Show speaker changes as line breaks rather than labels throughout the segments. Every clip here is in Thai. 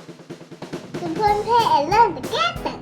คุณเพื่อนเพ่เริ่มจะแก้แต่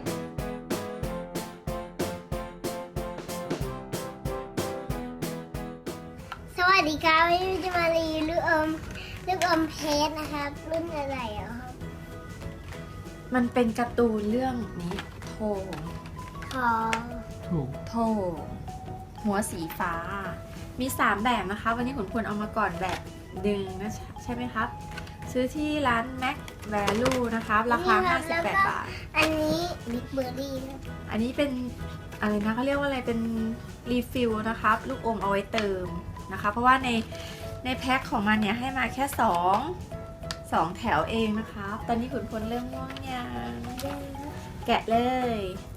สวัสดีครับวันนี้จะมารีวิวลูกอมเพชรนะครับรุ่นอะไรอ่ะครับ
มันเป็นการ์ตูนเรื่องนี้โท
ทอง
ถูก
โทหัวสีฟ้า มี 3 แบบนะคะ วันนี้ขุนพลเอามาก่อนแบบหนึ่งนะใช่ไหมครับ ซื้อที่ร้าน Mac Value นะครับ ราคา 58 บาท
อันนี้บิ๊กเบอร์รี่ครับ
อันนี้เป็นอะไรนะเขาเรียกว่าอะไรเป็นรีฟิลนะครับ ลูกอมเอาไว้เติมนะคะ เพราะว่าในแพ็คของมันเนี่ยให้มาแค่2แถวเองนะคะตอนนี้ขุนพลเริ่มง่วงยังแกะเลย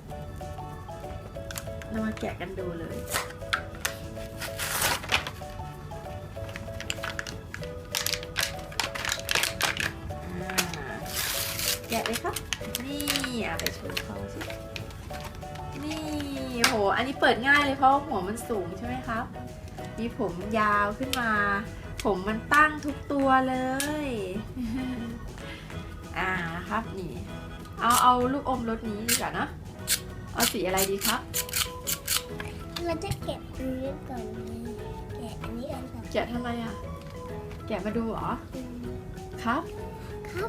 เรามาแกะกันดูเลยแกะเลยครับนี่เอาไปโชว์เขาสินี่โหอันนี้เปิดง่ายเลยเพราะหัวมันสูงใช่ไหมครับ มีผมยาวขึ้นมาผมมันตั้งทุกตัวเลยนะครับนี่เอาลูกอมรสนี้ดีกว่านะเอาสีอะไรดีครับ
เราจะเก็บอันนี้ก่อนแกะอันนี้อันก่อน
แกะทำไมอ่ะแกะมาดูเหรอครับ
ครับ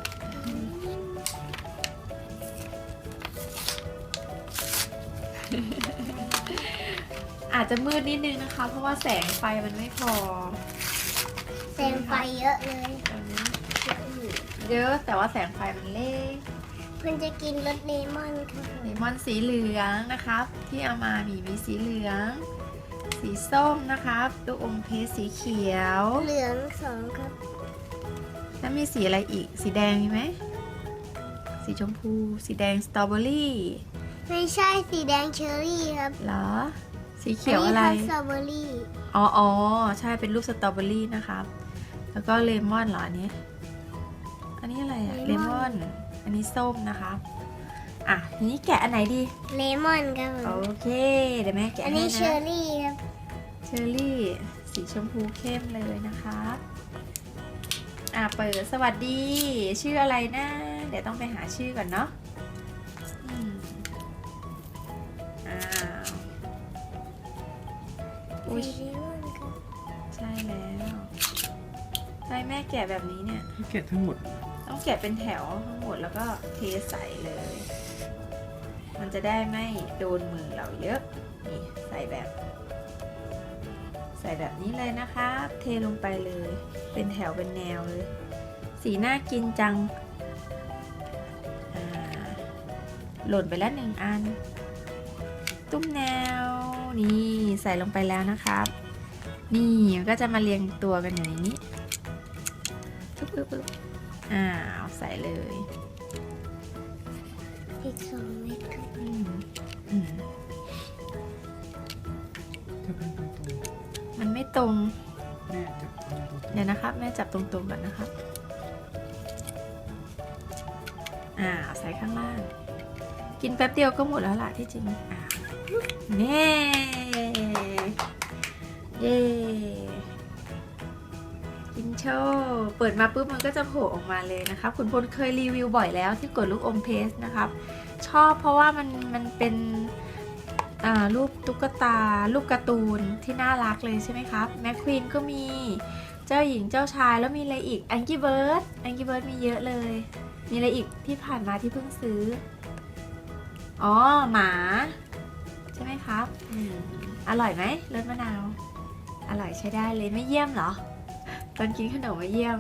อาจจะมืดนิดนึงนะคะ เพราะว่าแสงไฟมันไม่พอ
แสงไฟเยอะเลย
ตอนนี้เยอะแต่ว่าแสงไฟมันเล็ก
เพื่อนจะกินรสเลมอนครับ
เลมอนสีเหลืองนะครับ ที่เอามามีสีเหลือง สีส้มนะครับลูกอมเพชรสีเขียว
เหลือง2ครับ
แล้วมีสีอะไรอีกสีแดงมีไหมสีชมพูสีแดงสตรอเบอรี่
ไม่ใช่สีแดงเชอร์รี่ครับ
เหรอสีเขียวอะไร
นนี้สตรอเบอรี่
อ๋อใช่เป็นรูปสตรอเบอรี่นะครับแล้วก็เลมอนเหรออันนี้อะไรอะเลมอนอันนี้ส้มนะครับอ่ะทีนี้แกะอันไหนดี
เลมอนครับผม
โอเคเดี๋ยวแม่แกะ
อัน
ให้
นี้เชอ
นะ
ร์รี่ครับ
เชอร์รี่สีชมพูเข้มเลยนะครับเปิดสวัสดีชื่ออะไรนะเดี๋ยวต้องไปหาชื่อก่อนเนาะอ้าวอุ๊ย
สีเลมอนครับ
ใช่แล้วใช่แม่แกะแบบนี้เนี่ย
แกะทั้งหมด
ต้องแกะเป็นแถวทั้งหมดแล้วก็เทใส่เลย มันจะได้ไม่โดนมือเราเยอะนี่ใส่แบบนี้เลยนะคะเทลงไปเลย เป็นแถวเป็นแนวเลย สีน่ากินจังหล่นไปแล้ว1 อัน ตุ้มแนวนี่ใส่ลงไปแล้วนะครับ นี่มันก็จะมาเรียงตัวกันอยู่ในนี้ปึ๊บเอาใส่เลย
อีก2 เม็ดครับ
จะเป็นตรง
มันไม่ตรง
ๆแม่จะเป็นตรง
เดี๋ยวนะครับแม่จับตรงๆก่อนนะครับใส่ข้างล่าง กินแป๊บเดียวก็หมดแล้วล่ะที่จริงเน่เย้กินโชว์เปิดมาปุ๊บมันก็จะโผล่ออกมาเลยนะครับคุณพลเคยรีวิวบ่อยแล้วที่กดลูกอมเพสนะครับชอบเพราะว่ามันเป็นรูปตุ๊กตารูปการ์ตูนที่น่ารักเลยใช่ไหมครับแมคควีนก็มีเจ้าหญิงเจ้าชายแล้วมีอะไรอีกแองกี้เบิร์ดมีเยอะเลยมีอะไรอีกที่ผ่านมาที่เพิ่งซื้อหมาใช่ไหมครับอร่อยไหมรสมะนาวอร่อยใช้ได้เลยไม่เยี่ยมเหรอตอนกินขนมไม่เยี่ยม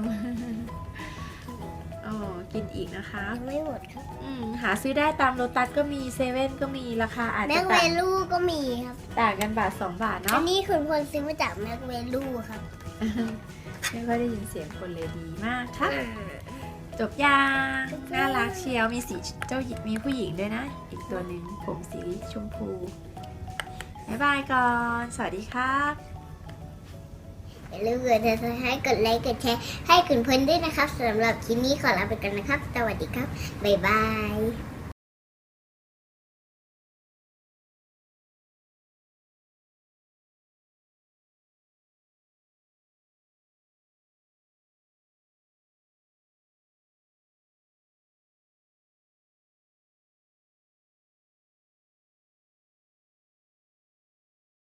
กินอีกนะคะ
ยังไม่หมดครับ
หาซื้อได้ตามโลตัสก็มีเซเว่นก็มีราคาอาจ
แม็
จะ
กเวลูก็มีครับ
ต่างกันบาท2 บาท
อั
เนาะ
นนี้คุณพลซื้อมาจากแม็กเวลูครับ
ไม่ค่อยได้ยินเสียงคนเลยดีมากค่ะจบยังน่ารักเชียวมีสีเจ้าหญิงมีผู้หญิงด้วยนะ อีกตัวหนึ่งผมสีชมพูบ๊ายบายก่อนสวัสดีครับ
อย่าลืมกดติดตามให้กดไลค์กดแชร์ให้คุณพลด้วยนะครับสำหรับคลิปนี้ขอลาไปก่อนนะครับ สวัสดีครับ บ๊ายบาย